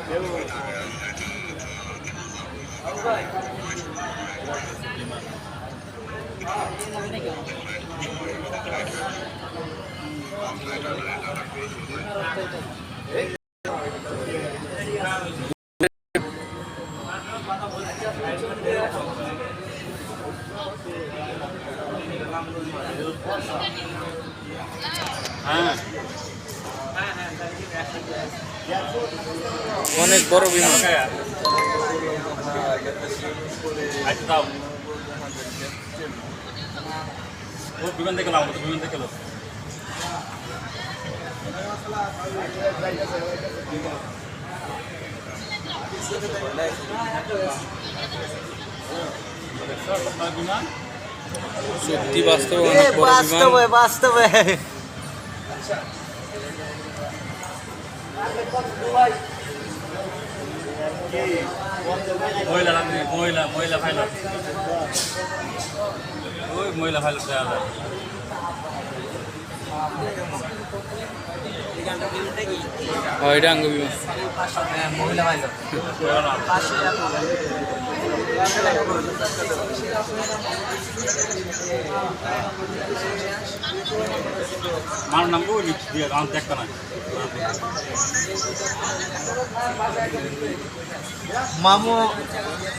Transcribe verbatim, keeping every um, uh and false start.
হ্যাঁ অনেক বড় বিমান। বিমান দেখে নাও, বিমান দেখে লো। বিমান সত্যি বাস্তবে অনেক বড় বাস্তবে বাস্তবে মহিলা মহিলা মহিলা পাইলট, ওই মহিলা পাইলট দেওয়া যায়। এটা আঙ্গ বিমান মহিলা পাইলট আমার নাম দিয়ে আমার দেখতে না মামু।